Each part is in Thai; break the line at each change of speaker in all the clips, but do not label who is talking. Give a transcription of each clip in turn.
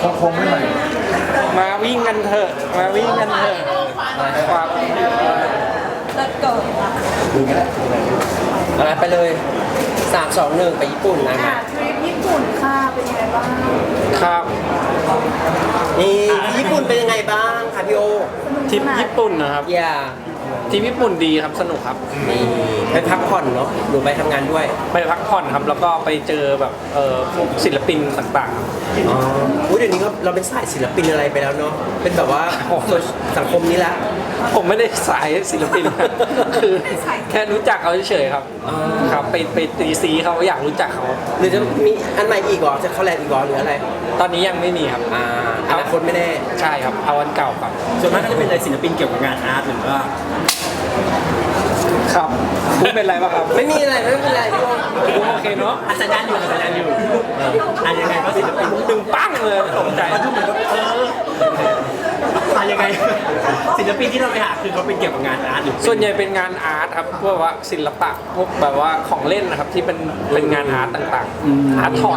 คงไม่ใหม่
มาวิ่งกันเถอะมาวิ่งกันเถอะครับ
เลิศเกิด
ดูกันแหละ
อะไรไปเลย3-2-1ไปญี่ปุ่นนะค
อ่ะ
รับ
ทริปญี่ปุ่นค่ะเป็นยังไงบ้าง
ครับ
นี่ที่ญี่ปุ่นเป็นยังไงบ้างคะพี่โอ
ทริปญี่ปุ่นนะครับ
อย่า
ทริปญี่ปุ่นดีครับสนุกครับ
นี่ไปพักผ่อนเนาะหรือไปทำงานด้วย
ไปพักผ่อนครับแล้วก็ไปเจอแบบพวกศิลปินต่าง
อ๋ออุ๊ยเดี๋ยวนี้ก็เราเป็นสายศิลปินอะไรไปแล้วเนาะเป็นแบบว่าสังคมนี้ละ
ๆผมไม่ได้สายศิลปิน นะคือแค่รู้จักเขาเฉยๆครับ
อ๋อ
ครับไปตีซีเขาอยากรู้จักเขา
หรือจะมีอันใหม่อีกเหรอจะเข้าแลนด์อีกเหรอหรืออะไร
ตอนนี้ยังไม่มีครับ
อนาคตไม่แน่
ใช่ครับเอาอันเก่าครับ
ส่วนมากก็จะเป็นอะไรศิลปินเกี่ยวกับงานอาร์ตหรือว่า
ครับพูดเป็นไรบ้างครับ
ไม่มีอะไรไม่มีอะไรพี่โอ
โอเคเนาะ
สัญญาณอยู่สัญญาณอยู่ยังไงก็ศิลปิน
ดึงปั้งเลยตกใจ
มาดูเหมือนกับยังไงศิลปินที่เราไปหาคือเขาเป็นเกี่ยวกับงานอาร์ตหรือ
ส่วนใหญ่เป็นงานอาร์ตครับพวกว่าศิลปะพวกแบบว่าของเล่นนะครับที่เป็นงานอาร์ตต่างๆอาร์ตทอย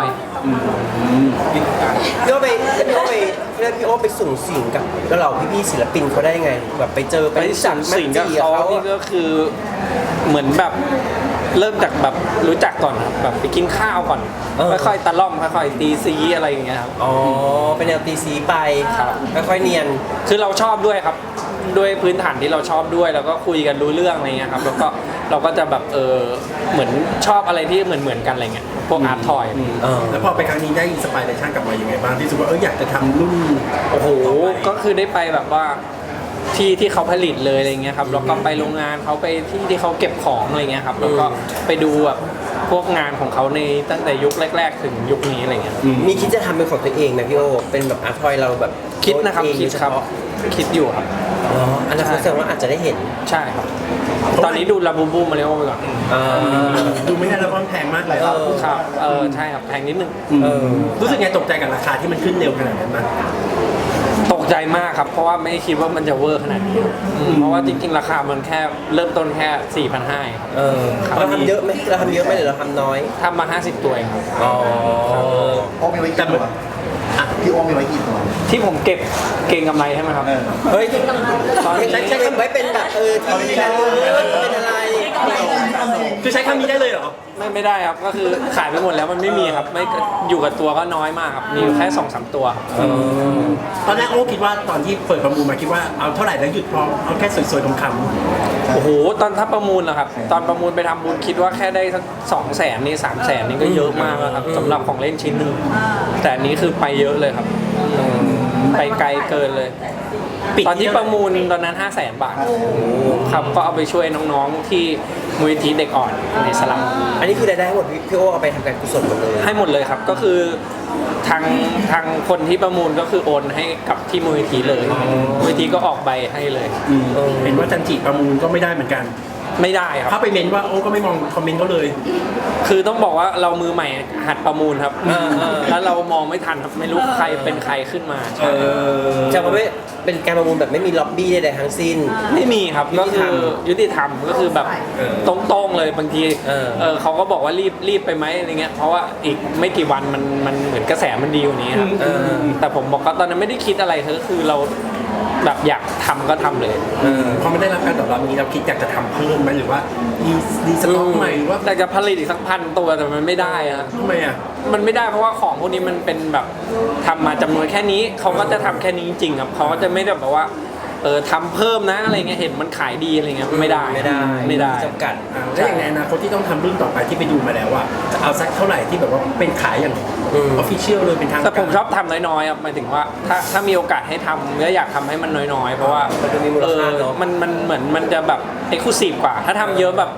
พี่โอไปพี่โอไปเรียกพี่โอไปสุ่มสิ่งกับแล้วเราพี่ๆศิลปินเขาได้ไงแบบไปเจอ
ไป
รู้จั
สั่งสิ่งกับเขานี่ก็คือเหมือนแบบเริ่มจากแบบรู้จักก่อนครับแบบไปกินข้าวก่อนค่อยๆตะล่อมค่อยๆตีซีอะไรอย่างเงี้ยครับ
อ๋อเป็นแนวตีสีไปครับค่อยๆเนียน
คือเราชอบด้วยครับด้วยพื้นฐานที่เราชอบด้วยแล้วก็คุยกันรู้เรื่องอะไรเงี้ยครับแล้วก็เราก็จะแบบเหมือนชอบอะไรที่เหมือนกันอะไรเงี้ยพวกอาร์ตทอย
แล้วพอไปครั้งนี้ได้อินสไปเรชั่นกลับมายังไงบ้างที่รู้สึกว่าอยากจะทำรุ่น
โอ้โหก็คือได้ไปแบบว่าที่เขาผลิตเลยอะไรเงี้ยครับแล้วก็ไปโรงงานเขาไปที่เขาเก็บของอะไรเงี้ยครับแล้วก็ไปดูแบบพวกงานของเขาในตั้งแต่ยุคแรก ๆ ถึงยุคนี้อะไรเงี้ย
มีคิดจะทำเป็นของตัวเองไหมพี่โอเป็นแบบอาร์ทอยเราแบบ
คิดนะครับ
เอง
คิดครับ
โดยเฉพาะ
คิดอยู่ครับ
อ๋ออนาคตแสดงว่าอาจจะได้เห็น
ใช่ครับ ตอนนี้ดูลาบูบูมาเร็วไปก่อน
ดูไม่ได้แล้วเพราะมันแพงมากเลย
ครับใช่ครับแพงนิดนึง
รู้สึกไงตกใจกับราคาที่มันขึ้นเร็วขนาดนั้นมั้ย
ตกใจมากครับเพราะว่าไม่คิดว่ามันจะเวอร์ขนาดนี้ครับเพราะว่าจริงๆราคามันแค่เริ่มต้นแค่4,500ครับ
เราทำเยอะไหมเราทำเยอะไหมหรือเราทำน้อย
ทำมา50ตัวเองครับ
อ๋อ
โอ้มีไว้กี่ตัวพี่โอ้มีไว้กี่ตัว
ที่ผมเก็บเก่งกำไรใช่ไหมครับ
เฮ้ยใช้คำไว้เป็นแบบที่แบบเป็นอะไร
คือใช้คำนี้ได้เลยเหรอ
ไม่ได้ครับก็คือขายไปหมดแล้วมันไม่มีครับไม่อยู่กับตัวก็น้อยมากครับมีอยู่แค่ 2-3 ตัวครับ
ตอนแรกโอ้คิดว่าตอนที่เปิดประมูลมาคิดว่าเอาเท่าไหร่แล้วหยุดพอเอาแค่สวยๆคำ
โอ้โหตอนถ้าประมูลนะครับตอนประมูลไปทำบุญคิดว่าแค่ได้สัก200,000นี่300,000นี่ก็เยอะมากแล้วครับสำหรับของเล่นชิ้นหนึ่งแต่อันนี้คือไปเยอะเลยครับไปไกลเกินเลย ตอนที่ประมูลตอนนั้น 500,000 บาทครับก็เอาไปช่วยน้องๆที่มูลนิธิเด็กอ่อนในสลัม
อันนี้คือรายได้ทั้งหมดพี่โอเอาไปทำการกุศลหมดเลย
ให้หมดเลยครับก็คือทางคนที่ประมูลก็คือโอนให้กับที่มูลนิธิเลยมูลนิธิก็ออกใบให้เลย
เห็นว่าจันจิประมูลก็ไม่ได้เหมือนกัน
ไม่ได้ครับ
ถ้าไปเมนว่าโอ้ก็ไม่มองคอมเมนต์เขาเลย
คือต้องบอกว่าเรามือใหม่หัดประมูลครับแล้วเรามองไม่ทันครับไม่รู้ใครเป็นใครขึ้นมา
จะมาไม่เป็นการประมูลแบบไม่มีล็อบบี้ใดๆทั้งสิ้น
ไม่มีครับก็คือยุติธรรมก็คือแบบตรงๆเลยบางทีเขาก็บอกว่ารีบไปไหมอะไรเงี้ยเพราะว่าอีกไม่กี่วันมันเหมือนกระแสมันดีกว่านี้ครับแต่ผมบอกว่าตอนนั้นไม่ได้คิดอะไรคือเราแบบอยากทำก็ทำเลย
พอไม่ได้รับการตอบรับนี้เราคิดอยากจะทำเพิ่มไหมหรือว่าดีสต็อกใหม่หรือว่า
แต่จะผลิตอีกสัก1,000 ตัวแต่มันไม่ได้อะ
ทำไมอ่ะ
มันไม่ได้เพราะว่าของพวกนี้มันเป็นแบบทำมาจำนวนแค่นี้เขาก็จะทำแค่นี้จริงๆครับเขาก็จะไม่ได้แบบว่าทำเพิ่มนะอะไรเงี้ยเห็นมันขายดีอะไรเงี้ยไม่ได้
ไม่ได้จำกัด
แล้วอย่างในอนาคตที่ต้องทำรุ่นต่อไปที่ไปดูมาแล้วอ่ะจะเอาสักเท่าไหร่ที่แบบว่าเป็นขายอย่างออฟฟิเชียลเลยเป็นทาง
แต่ผมชอบทำน้อยๆครับหมายถึงว่าถ้ามีโอกาสให้ทำก็อยากทำให้มันน้อยๆเพราะว่า
มันจะมีมูลค่าเนอะ
มันเหมือนมันจะแบบเอ็กซ์คลูซีฟกว่า ถ้าทำเยอะแบบ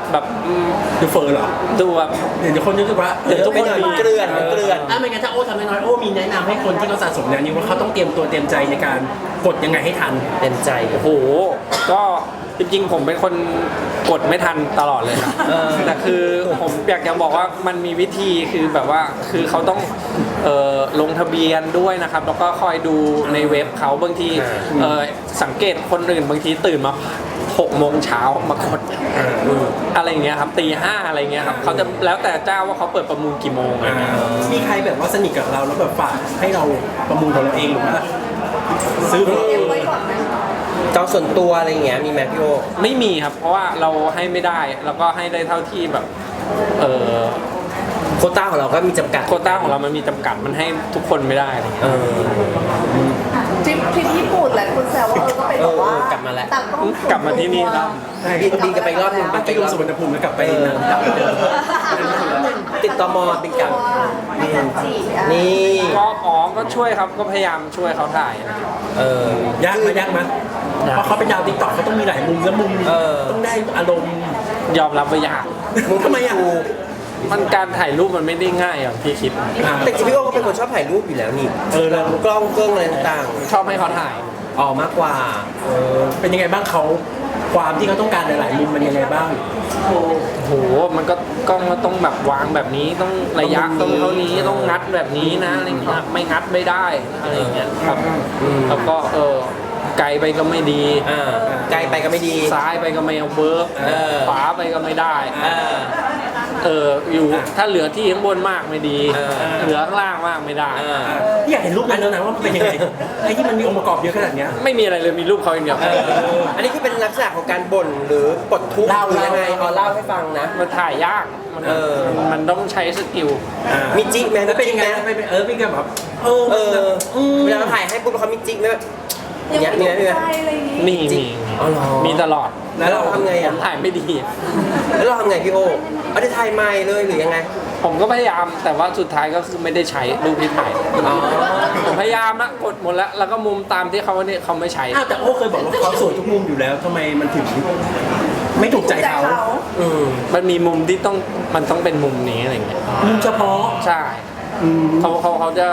ดูเฟอร์เหรอ
ดูแบบ
เดี๋ยวคนนึกว่า
เดี๋ยวทุกคนเกลื่อน
ไม่งั้นถ้าโอ้ทำน้อยๆโอ้มีแนะนำให้คนที่เขาสะสมแนวนี้ว่าเขาต้องเตรียมตัวเตรียมใจในการกดยังไงให้ทัน
เต็มใจ
โอ้โหก็จริงๆผมเป็นคนกดไม่ทันตลอดเลยครับแต่คือผมอยากจะบอกว่ามันมีวิธีคือแบบว่าคือเขาต้องลงทะเบียนด้วยนะครับแล้วก็คอยดูในเว็บเขาบางทีสังเกตคนอื่นบางทีตื่นมา6 โมงเช้ามากดอะไรอย่างเงี้ยครับตี 5อะไรเงี้ยครับเขาจะแล้วแต่เจ้าว่าเขาเปิดประมูลกี่โมงอะไรเงี้ย
มีใครแบบว่าสนิทกับเราแล้วแบบฝากให้เราประมูลของเราเองหรือว่าซื้อของเราเอง
ไว้ก่อนไหม
จองส่วนตัวอะไรอย่างเงี้ยมีไหมพี่โอ
ไม่มีครับ เพราะว่าเราให้ไม่ได้แล้วก็ให้ได้เท่าที่แบบ
โควต้าของเราก็มีจำกัด
โควต้าของเรามันมีจำกัดมันให้ทุกคนไม่ได้อะไรเงี้ย
ทริปญี่ปุ่นแหละคุณแซวว่าก็เป็นแบบว่าก
ลับมาแล้ว
ต่างต้อง
กลับมาที่นี่แล้ว
บินกันไปอีกรอบหนึง
ไปลงสุวรรณภูมิแล้วกลับไปนั่งดับเดิม
ติดต่อมอบินกลับ
ให้จันจีอ่ะ
นี่
ก็ช่วยครับก็พยายามช่วยเขาถ่ายนะ
ยากไหมยากไหมเพราะเขาเป็นดาวติ๊กต็อกเขาต้องมีหลายมุมแล้วมุมต้องได้อารมณ์
ยอมรับว่ายาก
มึงทำไมอ่ะ
มันการถ่ายรูปมันไม่ได้ง่ายอย่างที่คิด
แต่จริงๆพี่โอก็เป็นคนชอบถ่ายรูปอยู่แล้วนี่เรากล้องเครื่องอะไรต่าง
ชอบให้เขาถ่าย
ๆออกมากกว่า
เป็นยังไงบ้างเขาความที่เขาต้องการหลายๆมุมมันยังไงบ้าง
โหมันก็กล้องก็ต้องแบบวางแบบนี้ต้องระยะต้องเท่านี้ต้องงัดแบบนี้นะอะไรเงี้ยไม่งัดไม่ได้อะไรเงี้ยครับแล้วก็ไกลไปก็ไม่ดี
ไกลไปก็ไม่ดี
ซ้ายไปก็ไม่เอาเวิร์กขวาไปก็ไม่ได้อยู่ถ้าเหลือที่ข้างบนมากไม่ดีเหลือข้างล่างมากไม่ได้
พี่อยากเห็นรูปนั้นแล้วนะว่ามันเป็นยังไงไอ้ที่มันมีองค์ประกอบเยอะขนาดเนี้ย
ไม่มีอะไรเลยมีรูปเขาอย่างเดียว
อันนี้คือเป็นลักษณะของการบ่นหรือปลดทุกข์หรือยังไงเล่าให้ฟังนะ
มันถ่ายยากมันต้องใช้สกิล
มีจิ๊กไหม
แล้วเป็นยังไง
จิ๊กไหม
พี่ก็แบบ
เวลาเราถ่ายให้ปุ๊บเขามีจิ๊กไหมแบบ
ยังไม่ถูกใจอะไรอย่างนี้
มีตลอด
แล้วเราทำไง
ผ
อ่ะ
มถ่ายไม่ดี
แล้วเราทำไงพี่โอเอาได้ถ่ายใหม่เลยหรือยังไง
ผมก็พยายามแต่ว่าสุดท้ายก็คือไม่ได้ใช้รูปที่ถ่ายผมพยายามนะกดหมดแล้วก็มุมตามที่เขาเนี่ยเขาไม่ใช้
อ้าวแต่โอ้เคยบอกว่าเขาสวยทุกมุมอยู่แล้วทำไมมันถึงไม่ถูกใจเขา
มันมีมุมที่มันต้องเป็นมุมนี้อะไรเงี้ย
มุมเฉพาะ
ใช่เขาจะ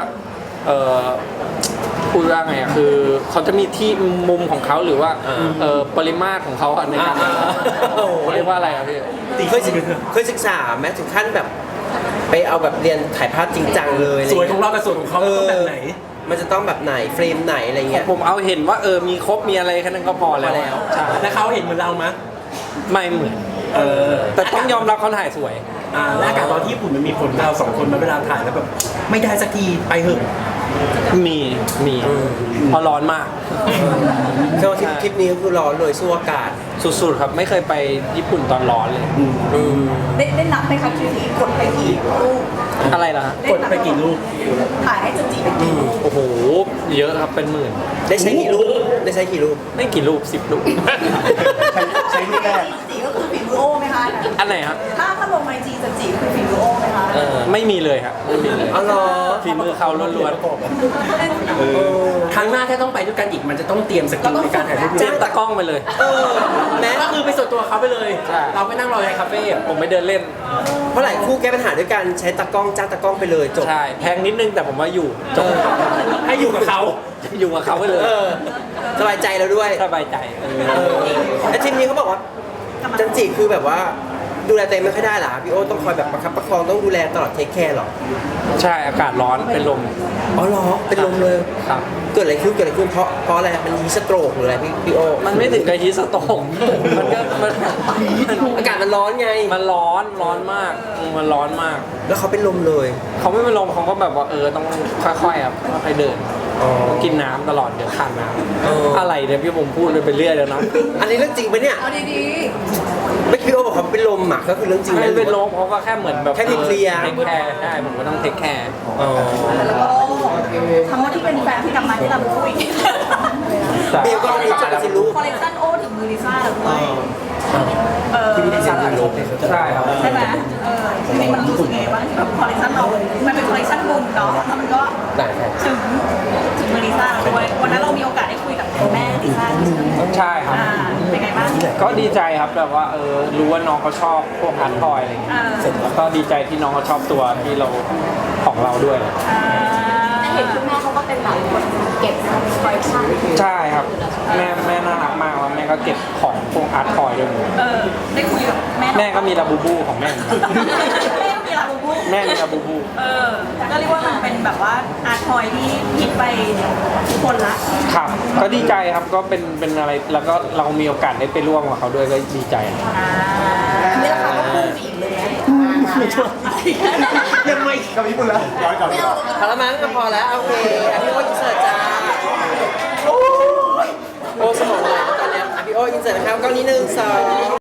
พูดว่าไงอะคือเขาจะมีที่มุมของเขาหรือว่าปริมาตรของเขาในการเรียกว่าอะไรอะพี่
เคยศึกษาแม้ถึงขั้นแบบ ไปเอาแบบเรียนถ่ายภาพจริงจังเลย
สวยของเรากับสวยของเขาต้องแบบไหน
มันจะต้องแบบไหนเฟรมไหนอะไรเงี้ย
ผมเอาเห็นว่ามีครบมีอะไรแค่นั้นก็พอแล้วใช่
แล้วเขาเห็นเหมือนเราไหม
ไม่เหมือนแต่ต้องยอมรับเขาถ่ายสวย
แล้วอากาศตอนที่ญี่ปุ่นมันมีผลเราสองคนมาเวลาถ่ายแล้วแบบไม่ได้สักทีไปเหอะ
มีเพราะร้อนมาก
แค่ว่าทริปนี้ก็คือร้อนเลยสู้อากาศ
สุดๆครับไม่เคยไปญี่ปุ่นตอนร้อนเลย
ได้นับไหมคะทริปนี้กดไปกี่รูป
อะไรล่ะฮะ
กดไปกี่รูป
ถ่ายให้จันจีไปกี่รูป
โอ้โหเยอะครับเป็นหมื่น
ได้ใช้กี่รูป
ไม่กี่รูป10 รูป
ใช้รูปแรก
จีก็คือฝีมือโอ้ไหมคะ
อันไหนครับ
ถ้าลงไอจีจันจีคือฝีมือโอ้ไหมคะ
ไม่มีเลยครับไม่มีเลย
อ๋อเหรอ
ฝีมือเขาล้วน
ครั้งหน้าถ้าต้องไปด้วยกันอีกมันจะต้องเตรียมสกิลในการถ่ายรูป
ๆเจ๊ตากล้องไปเลย
แม้ก็คือไปส่วนตัวเขาไปเลย
ใช่
เราไปนั่งรอในคาเฟ่
ผมไปเดินเล่น
เพราะหลายคู่แก้ปัญหาด้วยการใช้ตากล้องจ้างตากล้องไปเลยจบ
ใช่แพงนิดนึงแต่ผมว่าอยู่จบ
ให้อยู่กับเขา
อยู่กับเขาไปเลย
สบายใจแล้วด้วย
สบายใจ
ไอ้ทีมนี้เขาบอกว่าจันจิคือแบบว่าดูแลตัวเองไม่ค่อยได้หรอพี่โอ้ต้องคอยแบบประคับประคองต้องดูแลตลอดเทคแคร์หรอ
ใช่อากาศร้อนเป็นลม
อ๋อเหรอเป็นลมเลย
ครับ
เกิดอะไรขึ้นเพราะอะไรมันฮีสโตรกหรืออะไรพี่โอ
มันไม่ถึงกับฮีสโตรกมันก็มัน
อากาศมันร้อนไง
มันร้อนมากมันร้อนมาก
แล้วเขาเป็นลมเลย
เขาไม่เป็นลมเขาก็แบบว่าต้องค่อยๆครับค่อยๆเดินกินน้ำตลอดเดี๋ยวขาดน้ำอะไรเนี่ยพี่ผมพูดไปเรื่อยแล้วนะ
อันนี้เรื่องจริงปะเนี่ย
เอาดี
ไม่พี่โอบอกเขาเป็นลมอ่ะก็คือเรื่องจริง
ไม่เป็นลมเขาก็แค่เหมือนแบบ
แค่เพลีย
เทคแคร์ใช่ผมก็ต้องเทคแคร์
ๆแล้วก็คำว่าที่เป็นแฟนที่กลับมาที่เราคุย
เบลก็รู้จักสิลูก
คอลเลคชันโอถึงมือลิซ่าแล้วด้วย
ที่พี่ดีไซน์เป็นลม
ใช่ครับ
ใช่ไหมทีนี้มันรู้สึกไงบ้างที่แบบคอลเลคชันเรา มันเป็นคอลเลคชันบุญเนาะแล้วมันก็
ได้ใช่
ถึงมือลิซ่าด้วยวันนั้นเรามีโอกาสได้คุยกับแม่ลิซ่าด้วย
ใช่ครับ
เป็นไงบ้าง
ก็ดีใจครับแบบว่ารู้ว่าน้องเขาชอบพวกอาร์ตทอยอะไรอย่างเงี้ยแล้วก็ดีใจที่น้องเขาชอบตัวที่เราของเราด้วย
เห็นคุณแม่เขาก็เป็นแบบคนเก็บคอลเลคชัน
ใช่ครับแม่น่ารักมากแล้วแม่ก็เก็บของพวกอาร์ตทอยด้วย
ได้คุยกับแม่
แม่ก็มีลาบูบูของแม่
แม่ก็มีลาบูบู
แม่มีลาบูบู
ก็เรียกว่ามันเป็นแบแบบว่าอาร์ตทอยที่ฮิตไปทุกคนละ
ครับก็ดีใจครับก็เป็นอะไรแล้วก็เรามีโอกาสได้ไปร่วมกับเขาด้วยก็ดีใจครับ
นี่ราคาก็พุ่งไปอีกเลยไหม
ยังไม่กับญี่ปุ่นแล้วย้อนกลับดีกว่า
พอแล้วมั้งก็พอแล้วโอเคพี่โอ้อินเสิร์ตจ้าโอ้สมองไหลแล้วตอนเนี้ยพี่โอ้อินเสิร์ตนะครับกล้องนี้1 2